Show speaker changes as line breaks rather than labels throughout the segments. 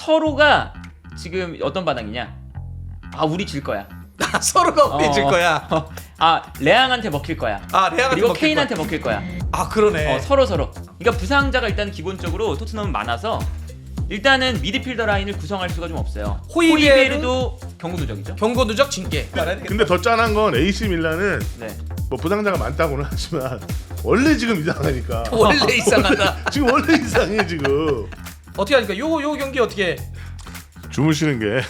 서로가 지금 어떤 반응이냐? 아 우리 질 거야.
서로가 우리 질 거야.
레앙한테 먹힐 거야.
레앙한테
그리고
먹힐
케인한테
거야.
먹힐 거야.
그러네.
서로. 그러니까 부상자가 일단 기본적으로 토트넘은 많아서 일단은 미드필더 라인을 구성할 수가 좀 없어요. 호이베르도 경고 누적이죠.
경고 누적 징계.
근데 더 짠한 건 AC 밀란은
네.
뭐 부상자가 많다고는 하지만 원래 지금 이상하니까.
원래 이상하다.
지금 원래 이상해 지금.
어떻게 하니까 요 경기 어떻게?
주무시는 게.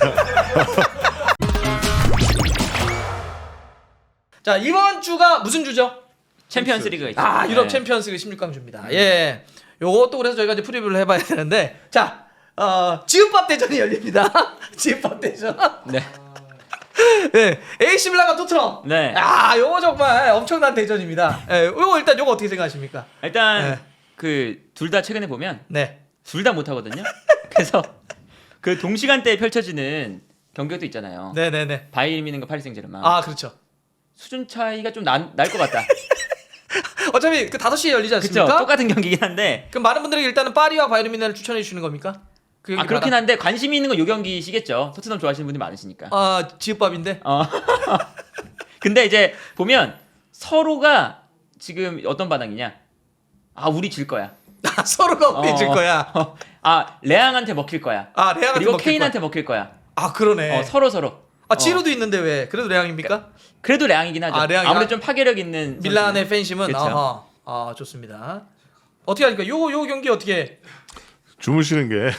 자 이번 주가 무슨 주죠?
챔피언스 리그가 있죠.
유럽
네.
챔피언스 리그 16강 주입니다. 예. 요것도 그래서 저희가 이제 프리뷰를 해봐야 되는데 자 지읍밥 대전이 열립니다. 지읍밥 대전.
네.
네. AC 밀란과 토트넘.
네.
요거 정말 엄청난 대전입니다. 예. 요거 일단 요거 어떻게 생각하십니까?
일단
네.
그 둘 다 최근에 보면
네.
둘 다 못하거든요. 그래서 그 동시간대에 펼쳐지는 경기도 있잖아요.
네네네.
바이에른 뮤니크과 파리 생제르맹.
그렇죠.
수준 차이가 좀 날 것 같다.
어차피 그 5시에 열리지
그렇죠.
않습니까?
똑같은 경기긴 한데.
그럼 많은 분들에게 일단은 파리와 바이에른 뮤니크를 추천해 주시는 겁니까? 그 경기
그렇긴
봐라.
한데 관심이 있는 건 요 경기시겠죠. 토트넘 좋아하시는 분들이 많으시니까.
지읍밥인데.
근데 이제 보면 서로가 지금 어떤 반응이냐? 아 우리 질 거야.
서로가 우리 질 거야.
레앙한테 먹힐 거야.
레앙한테
그리고
먹힐
케인한테 먹힐 거야.
그러네.
서로.
지루도 있는데 왜? 그래도 레앙입니까?
그래도 레앙이긴 하죠.
레앙이-
아무래도 좀 파괴력 있는
밀란의 팬심은
그쵸.
좋습니다. 어떻게 하니까 요 경기 어떻게?
주무시는 게.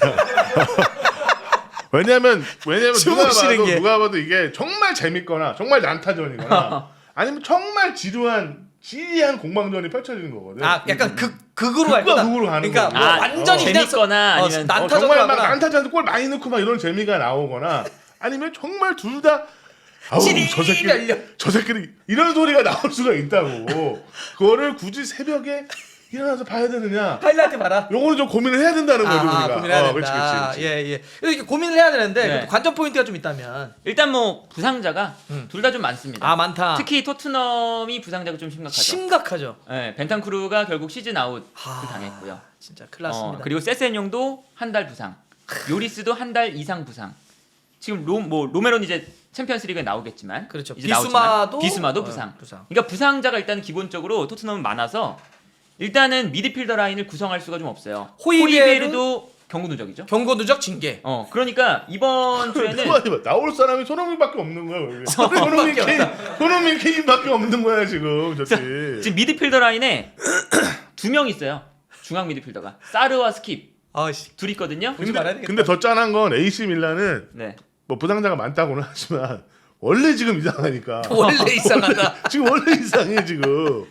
왜냐면
주무시는 게.
누가 봐도 이게 정말 재밌거나 정말 난타전이거나 아니면 정말 지리한 공방전이 펼쳐지는 거거든.
약간 극으로 갈 거다.
극으로 가는
그러니까
거야.
뭐 완전히 그냥
재밌거나 아니면
난타전으로
정말 막
가거나.
난타전에서 골 많이 넣고 막 이런 재미가 나오거나 아니면 정말 둘 다 저 새끼리 이런 소리가 나올 수가 있다고. 그거를 굳이 새벽에 일어나서 봐야 되느냐?
하이라이트 봐라.
요거는 좀 고민을 해야 된다는 거죠 우리가.
고민해야 된다.
그렇지.
예. 이렇게 고민을 해야 되는데
네.
그래도 관전 포인트가 좀 있다면.
일단 뭐 부상자가 둘 다 좀 많습니다.
많다.
특히 토트넘이 부상자가 좀 심각하죠.
심각하죠.
네, 벤탄쿠르가 결국 시즌 아웃을 당했고요.
진짜 큰일 났습니다.
그리고 세센용도 한 달 부상, 요리스도 한 달 이상 부상. 지금 로메로는 이제 챔피언스리그에 나오겠지만,
그렇죠.
이제 나오지만 비스마도
부상.
그러니까 부상자가 일단 기본적으로 토트넘은 많아서 일단은 미드필더 라인을 구성할 수가 좀 없어요. 호이베르도 경고 누적이죠.
경고 누적 징계.
그러니까 이번 주에는
나올 사람이 손흥민밖에 없는 거야. 여기.
손흥민밖에
손흥민 케인밖에 없는 거야 지금 저기.
지금 미드필더 라인에 두 명 있어요. 중앙 미드필더가 사르와 스킵 둘 있거든요.
근데 더 짠한 건 AC 밀란은
네.
뭐 부상자가 많다고는 하지만 원래 지금 이상하니까.
원래 이상하다.
지금 원래 이상해 지금.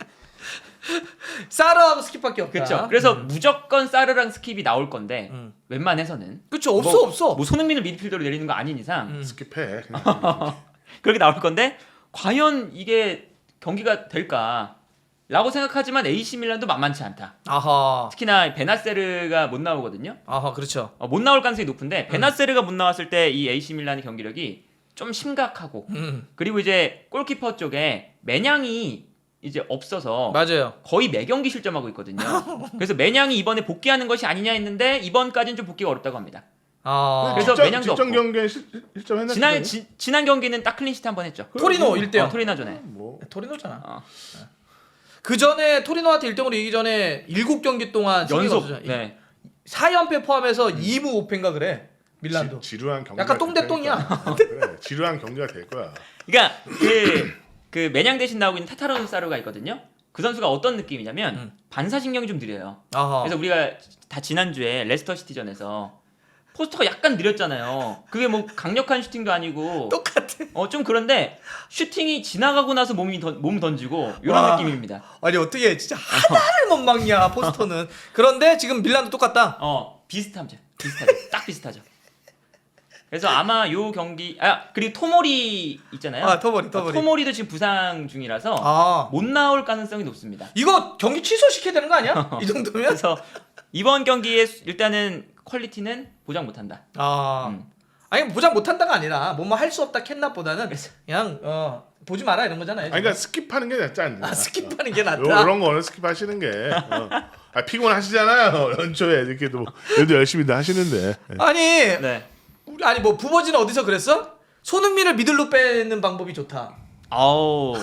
사르하고 스킵밖에 없다.
그렇죠. 그래서 무조건 사르랑 스킵이 나올 건데 웬만해서는
그렇죠. 없어.
뭐 손흥민을 미드필더로 내리는 거 아닌 이상
스킵해. 그냥.
그렇게 나올 건데 과연 이게 경기가 될까라고 생각하지만 AC 밀란도 만만치 않다. 특히나 베나세르가 못 나오거든요.
그렇죠.
못 나올 가능성이 높은데 베나세르가 못 나왔을 때 이 AC 밀란의 경기력이 좀 심각하고 그리고 이제 골키퍼 쪽에 매냥이 이제 없어서
맞아요.
거의 매경기 실점하고 있거든요. 그래서 매냥이 이번에 복귀하는 것이 아니냐 했는데 이번까지는 좀 복귀가 어렵다고 합니다. 그래서 매냥도
직전
없고.
경기에 실점했나?
지난 경기는 딱 클린시트 한 번 했죠.
토리노 1대0.
토리노전에.
토리노잖아. 그 전에 토리노한테 1등으로 이기기 전에 7경기 동안
연속.
승리가
네.
4연패 포함해서 2무 5패인가 그래. 밀란도.
지루한 경기.
약간 똥대똥이야.
그래, 지루한 경기가 될 거야.
그러니까 그 매냥 대신 나오고 있는 타타로 사루가 있거든요. 그 선수가 어떤 느낌이냐면 반사신경이 좀 느려요. 그래서 우리가 다 지난주에 레스터 시티전에서 포스터가 약간 느렸잖아요. 그게 뭐 강력한 슈팅도 아니고
똑같아.
좀 그런데 슈팅이 지나가고 나서 몸 던지고 이런 느낌입니다.
아니 어떻게 진짜 하나를 못 막냐 포스터는. 그런데 지금 밀란도 똑같다.
비슷하죠. 딱 비슷하죠. 그래서 아마 요 경기 그리고 토모리 있잖아요. 토모리도 지금 부상 중이라서 못 나올 가능성이 높습니다.
이거 경기 취소시켜야 되는 거 아니야? 이 정도면?
그래서 이번 경기에 일단은 퀄리티는 보장 못한다.
아니 보장 못한다가 아니라 뭐뭐 할 수 없다 캔납보다는 그냥 보지 마라 이런 거잖아요.
그러니까 스킵하는 게 낫지 않나?
스킵하는 게 낫다.
이런 거는 스킵하시는 게 피곤하시잖아요. 연초에 이렇게도 그래도 열심히들 하시는데.
아니
네.
아니 뭐 부버지는 어디서 그랬어? 손흥민을 미들로 빼는 방법이 좋다.
아우.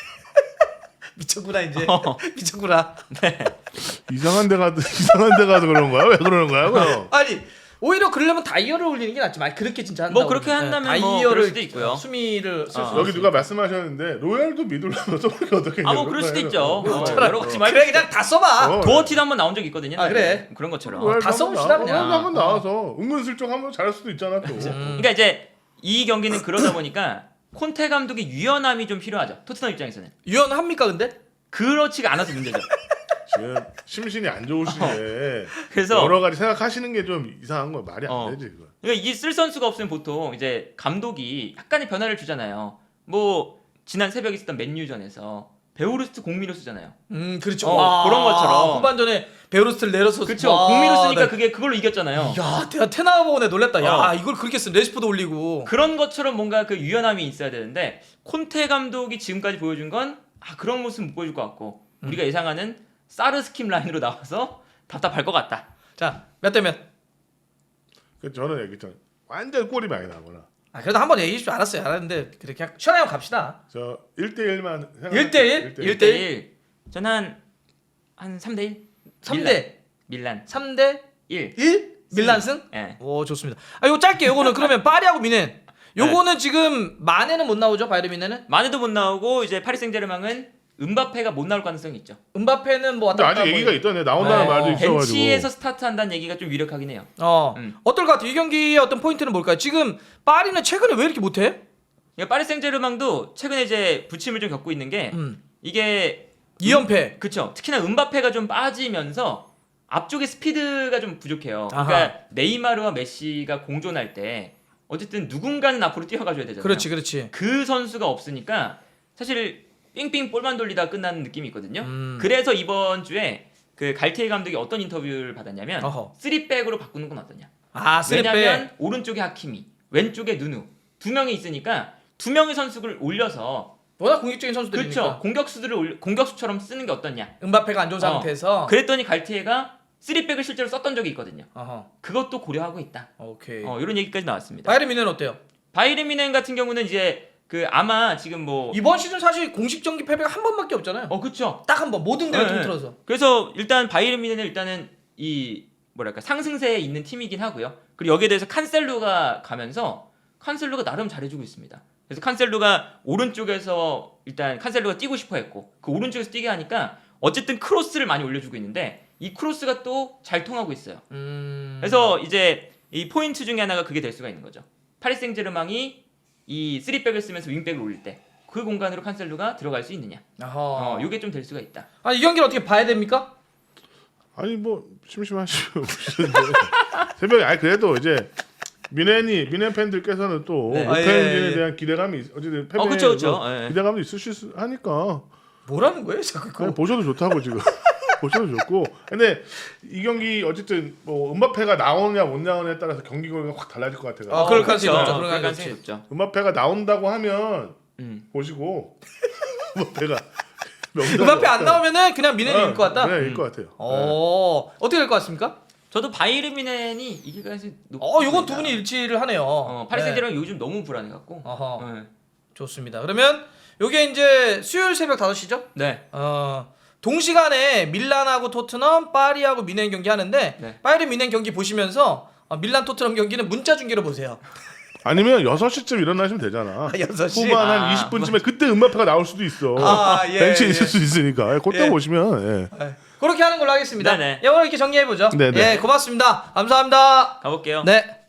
미쳤구나 이제. 미쳤구나.
이상한 데 가도 그런 거야? 왜 그러는 거야? 그럼?
아니 오히려 그러려면 다이어를 올리는 게 낫지. 만 그렇게 진짜 한다고.
뭐 그렇게 한다면
네,
뭐
다이어를
그럴 수도 있고요.
수미를 쓸 수.
여기 누가 말씀하셨는데 로얄도 미들라면 써보기 어떻게?
아 뭐 그럴 수도 있죠. 여러 가지
그래 그냥 다 써봐.
도어티도 한번 나온 적 있거든요.
아, 그래?
그런 것처럼.
다 써봅시다, 그냥.
한번 나와서 은근슬쩍 한번 잘할 수도 있잖아 또.
그러니까 이제 이 경기는 그러다 보니까 콘테 감독의 유연함이 좀 필요하죠. 토트넘 입장에서는.
유연합니까 근데?
그렇지가 않아서 문제죠.
지금 심신이 안 좋으시네.
그래서
여러 가지 생각하시는 게 좀 이상한 거 말이 안 되지 그거.
그러니까 이 쓸 선수가 없으면 보통 이제 감독이 약간의 변화를 주잖아요. 뭐 지난 새벽에 있었던 맨유전에서 베오르스트 공미로 쓰잖아요.
그렇죠.
그런 것처럼.
후반전에 베오르스트를 내려서.
그렇죠. 공미로 쓰니까 그걸로 이겼잖아요.
야, 내가 테나 보고 내 놀랬다. 야, 이걸 그렇게 쓴 레시포드 올리고.
그런 것처럼 뭔가 그 유연함이 있어야 되는데 콘테 감독이 지금까지 보여준 건 그런 모습 못 보여줄 것 같고 우리가 예상하는 사르 스킴 라인으로 나와서 답답할 것 같다.
자, 몇 대 몇?
그 저는 얘기했잖아요. 완전 골이 많이 나거나.
그래도 한번 얘기해 주지 알았어요. 알았는데 그렇게 그냥 시원하게 갑시다.
저 1대1만
1대1?
1대1. 저는 한 3대1.
3대
밀란.
3대
1.
1? 밀란 승?
예.
오, 좋습니다. 이거 짧게 요거는 그러면 파리하고 미넨. 요거는 지금 마네는 못 나오죠? 바이에른 미넨은?
마네도 못 나오고 이제 파리 생제르맹은 은바페가 못 나올 가능성이 있죠.
은바페는 뭐
근데
왔다
아직 얘기가 있던데 나온다는
네.
말도 있어가지고.
벤치에서 스타트한다는 얘기가 좀 유력하긴 해요.
어떨 것 같아요? 이 경기의 어떤 포인트는 뭘까요? 지금 파리는 최근에 왜 이렇게 못해?
그러니까 파리 생제르맹도 최근에 이제 부침을 좀 겪고 있는 게 이게
2연패.
그쵸. 특히나 은바페가 좀 빠지면서 앞쪽에 스피드가 좀 부족해요.
아하.
그러니까 네이마르와 메시가 공존할 때 어쨌든 누군가는 앞으로 뛰어가줘야 되잖아요.
그렇지.
그 선수가 없으니까 사실 삥삥 볼만 돌리다 끝나는 느낌이 있거든요.
음.
그래서 이번 주에 그 갈티에 감독이 어떤 인터뷰를 받았냐면
어허.
3백으로 바꾸는 건 어떠냐.
쓰리백.
왜냐면 오른쪽에 하키미, 왼쪽에 누누 두 명이 있으니까 두 명의 선수를 올려서
워낙 공격적인 선수들이니까.
그렇죠. 공격수들을 공격수처럼 쓰는 게 어떠냐.
은바페가 안 좋은 상태에서.
그랬더니 갈티에가 3백을 실제로 썼던 적이 있거든요.
어허.
그것도 고려하고 있다.
오케이.
이런 얘기까지 나왔습니다.
바이에른 미넨 어때요?
바이에른 뮌헨 같은 경우는 이제 그 아마 지금 뭐
이번 시즌 사실 공식 경기 패배가 한 번밖에 없잖아요.
그렇죠.
딱 한 번 모든 대회
네.
통틀어서.
그래서 일단 바이에른 뮌헨은 일단은 이 뭐랄까 상승세에 있는 팀이긴 하고요. 그리고 여기에 대해서 칸셀루가 가면서 칸셀루가 나름 잘해주고 있습니다. 그래서 칸셀루가 오른쪽에서 일단 칸셀루가 뛰고 싶어했고 그 오른쪽에서 뛰게 하니까 어쨌든 크로스를 많이 올려주고 있는데 이 크로스가 또 잘 통하고 있어요. 그래서 이제 이 포인트 중에 하나가 그게 될 수가 있는 거죠. 파리 생제르맹이 이 3백을 쓰면서 윙백을 올릴 때 그 공간으로 칸셀루가 들어갈 수 있느냐. 요게 좀 될 수가 있다.
이 경기를 어떻게 봐야 됩니까?
아니 뭐 심심하시고 새벽에 그래도 이제 미넨 팬들께서는 또
네.
오펜진에 대한 기대감이 어쨌든 패배에
그쵸.
기대감도 있으실 수 하니까
뭐라는 거예요, 자꾸 그거?
아니, 보셔도 좋다고 지금 보셔도 좋고. 근데 이 경기 어쨌든 뭐 은바페가 나오냐 못 나오냐에 따라서 경기 결과가 확 달라질 것 같아요.
그럴 가능성이
그렇죠.
높죠.
그럴 가능성이 높죠.
은바페가 나온다고 하면 보시고 은바페가
은바페 안 나오면은 그냥 미넨이 이길 것 같다.
네, 이길 것 같아요.
어떻게 될 것 같습니까?
저도 바이에른 뮌헨이 이길 가능성이
요건 두 분이 일치를 하네요.
파리
네.
생제르맹 요즘 너무 불안해갖고.
어허. 좋습니다. 그러면 요게 이제 수요일 새벽 5시죠?
네.
동시간에 밀란하고 토트넘, 파리하고 미넨 경기 하는데
네.
파리 미넨 경기 보시면서 밀란 토트넘 경기는 문자 중계로 보세요.
아니면 6시쯤 일어나시면 되잖아.
6시?
후반 한 20분쯤에 그때 은바페가 나올 수도 있어. 벤치에 있을 수 있으니까. 그때 보시면.
그렇게 하는 걸로 하겠습니다.
네네.
오늘 이렇게 정리해 보죠.
네네.
고맙습니다. 감사합니다.
가볼게요.
네.